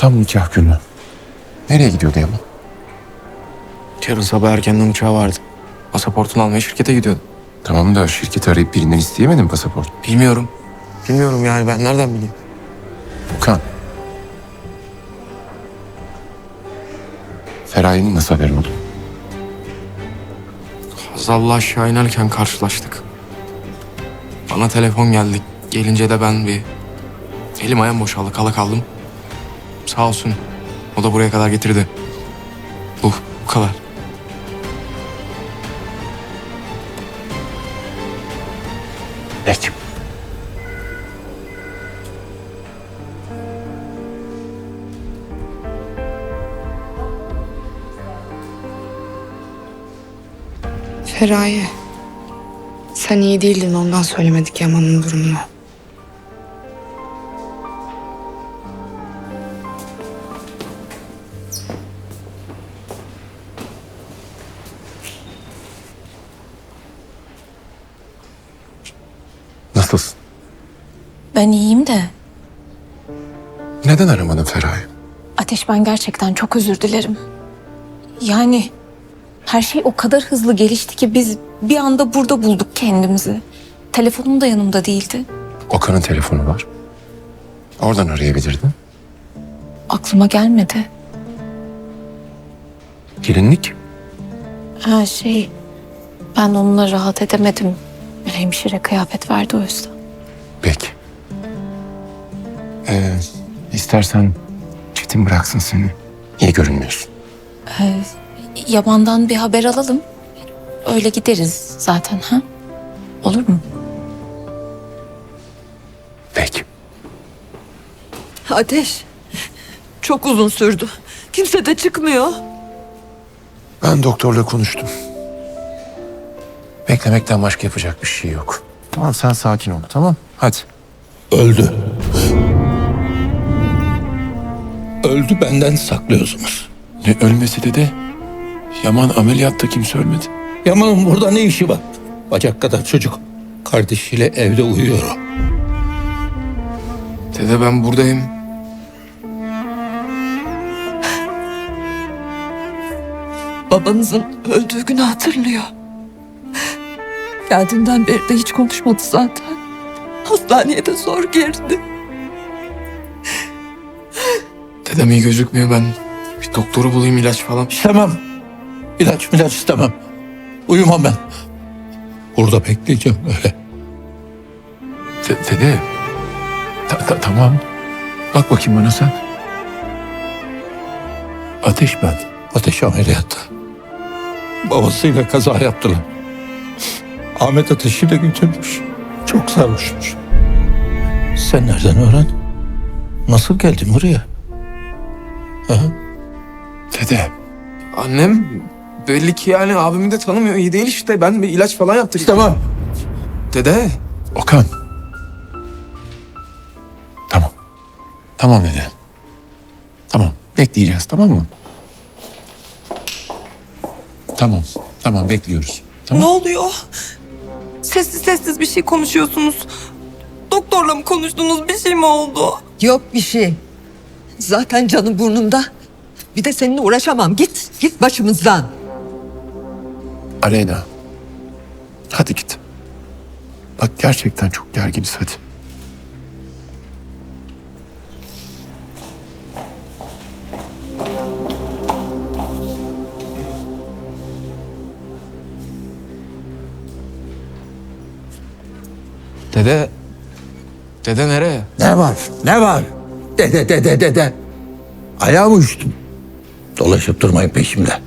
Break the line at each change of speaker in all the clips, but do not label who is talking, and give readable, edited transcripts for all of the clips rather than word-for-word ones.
Tam nikah günü. Nereye gidiyordu Yaman?
Yarın sabah erkenden uçağı vardı. Pasaportunu almaya şirkete gidiyordu.
Tamam da şirketi arayıp birinden isteyemedin pasaport.
Bilmiyorum. Bilmiyorum yani, ben nereden bileyim?
Okan. Feraye'nin nasıl haberi oldu?
Hazal'la aşağı inerken karşılaştık. Bana telefon geldi. Gelince de ben bir elim ayağım boşaldı, kala kaldım. Sağ olsun. O da buraya kadar getirdi. Bu kadar.
Peki.
Feraye. Sen iyi değildin, ondan söylemedik Yaman'ın durumunu.
Nasılsın?
Ben iyiyim de
Neden aramadın Feraye?
Ateş, ben gerçekten çok özür dilerim. Yani her şey o kadar hızlı gelişti ki biz bir anda burada bulduk kendimizi. Telefonum da yanımda değildi.
Okan'ın telefonu var. Oradan arayabilirdin.
Aklıma gelmedi.
Gelinlik.
Ha ben onunla rahat edemedim. Hemşire kıyafet verdi o yüzden.
Peki. İstersen Çetin bıraksın seni. İyi görünmüyorsun.
Yaman'dan bir haber alalım. Öyle gideriz zaten, ha? Olur mu?
Peki.
Ateş, çok uzun sürdü. Kimse de çıkmıyor.
Ben doktorla konuştum. Beklemekten başka yapacak bir şey yok. Tamam, sen sakin ol, tamam? Hadi.
Öldü. Öldü, benden saklıyorsunuz.
Ne ölmesi dede? Yaman ameliyatta, kimse ölmedi.
Yaman'ın burada ne işi var? Bacak kadar çocuk. Kardeşiyle evde uyuyor o.
Dede, ben buradayım.
Babanızın öldüğü günü hatırlıyor. Geldiğinden beri de hiç konuşmadı zaten. Hastaneye de zor girdi.
Dedem iyi gözükmüyor, ben bir doktoru bulayım, ilaç falan.
İstemem. İlaç istemem. Uyumam ben. Burada bekleyeceğim öyle.
Dede. Tamam. Bak bakayım bana sen.
Ateş ben. Ateş ameliyatta. Babasıyla kaza yaptılar. Ahmet Ateş'i de götürmüş. Çok sarhoşmuş. Sen nereden öğren? Nasıl geldin buraya? Ha?
Dede. Annem belli ki yani abimi de tanımıyor, iyi değil işte. Ben bir ilaç falan yaptırayım.
İstemem.
Dede.
Okan. Tamam. Tamam dede. Tamam. Bekleyeceğiz, tamam mı? Tamam. Tamam, bekliyoruz. Tamam.
Ne oluyor? Sessiz sessiz bir şey konuşuyorsunuz. Doktorla mı konuştunuz? Bir şey mi oldu?
Yok bir şey. Zaten canım burnumda. Bir de seninle uğraşamam. Git başımızdan.
Aleyna. Hadi git. Bak gerçekten çok gerginiz, hadi.
Dede. Dede nereye?
Ne var? Ne var? Dede. Ayağım uçtu. Dolaşıp durmayın peşimde.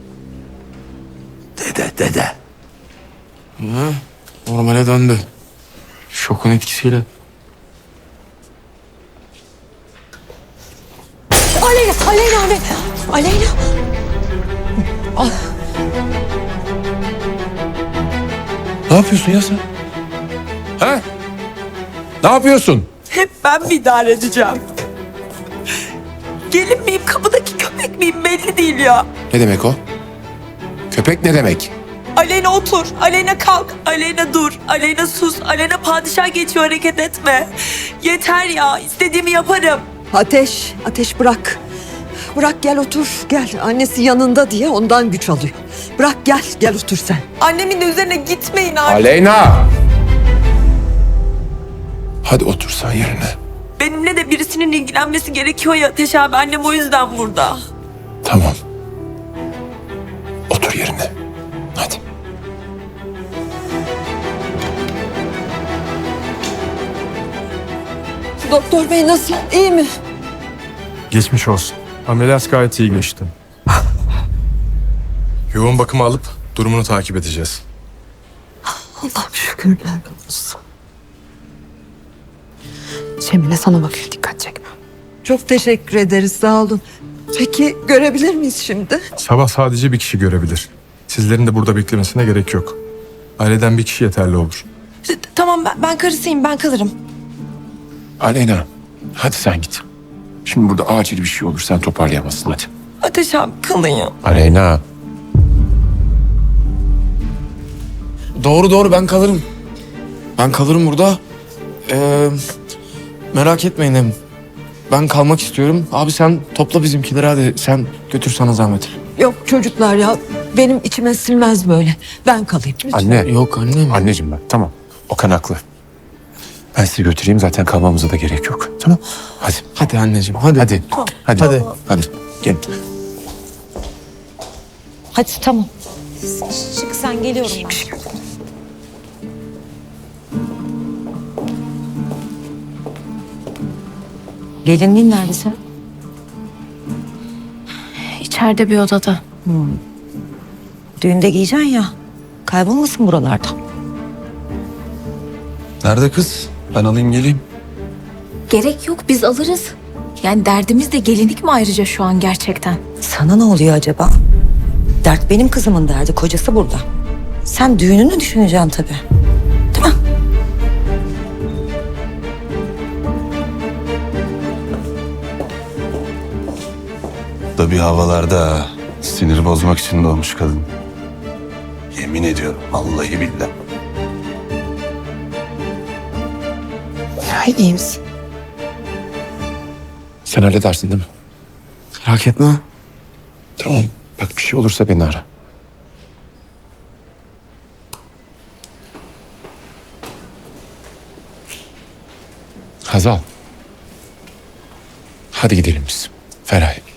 Dede.
Normale döndü. Şokun etkisiyle.
Aleyna.
Ne yapıyorsun ya sen? Ha? Ne yapıyorsun?
Hep ben mi idare edeceğim? Gelin miyim, kapıdaki köpek miyim belli değil ya.
Ne demek o? Köpek ne demek?
Aleyna otur, Aleyna kalk, Aleyna dur, Aleyna sus, Aleyna padişah geçiyor, hareket etme. Yeter ya, istediğimi yaparım.
Ateş, Ateş bırak. Bırak gel otur, gel. Annesi yanında diye ondan güç alıyor. Bırak gel otur sen.
Annemin de üzerine gitmeyin artık.
Aleyna! Hadi otur sen yerine.
Benimle de birisinin ilgilenmesi gerekiyor ya Ateş abi. Annem o yüzden burada.
Tamam. Otur yerine. Hadi.
Doktor bey nasıl? İyi mi?
Geçmiş olsun. Ameliyat gayet iyi geçti. Yoğun bakıma alıp durumunu takip edeceğiz.
Allah'ım şükürler olsun.
Cemile sana bakıyor, dikkat çekme.
Çok teşekkür ederiz, sağ olun. Peki görebilir miyiz şimdi?
Sabah sadece bir kişi görebilir. Sizlerin de burada beklemesine gerek yok. Aileden bir kişi yeterli olur.
Tamam ben karısıyım, ben kalırım.
Aleyna, hadi sen git. Şimdi burada acil bir şey olur, sen toparlayamazsın hadi.
Ateş abi kalın ya.
Aleyna.
Doğru ben kalırım. Ben kalırım burada. Merak etmeyin hem. Ben kalmak istiyorum. Abi sen topla bizimkileri hadi. Sen götür sana zahmet.
Yok çocuklar ya, benim içime silmez böyle. Ben kalayım. Lütfen.
Anne.
Yok annem.
Anneciğim ben. Tamam. Okan haklı. Ben sizi götüreyim, zaten kalmamıza da gerek yok. Tamam. Hadi.
Hadi anneciğim hadi.
Hadi. Hadi.
Hadi.
Hadi. Gel.
Hadi tamam. Çık sen, geliyorum ben.
Gelinliğin nerede sen?
İçeride bir odada.
Düğünde giyeceksin ya. Kaybolmasın buralarda.
Nerede kız? Ben alayım geleyim.
Gerek yok, biz alırız. Yani derdimiz de gelinlik mi ayrıca şu an gerçekten?
Sana ne oluyor acaba? Dert benim kızımın derdi. Kocası burada. Sen düğününü düşüneceksin tabii. Değil mi?
Da bir havalarda sinir bozmak için doğmuş kadın. Yemin ediyorum vallahi billahi.
Ya iyi misin?
Sen halledersin değil mi?
Merak etme.
Tamam. Bak bir şey olursa beni ara. Hazal. Hadi gidelim biz. Feraye.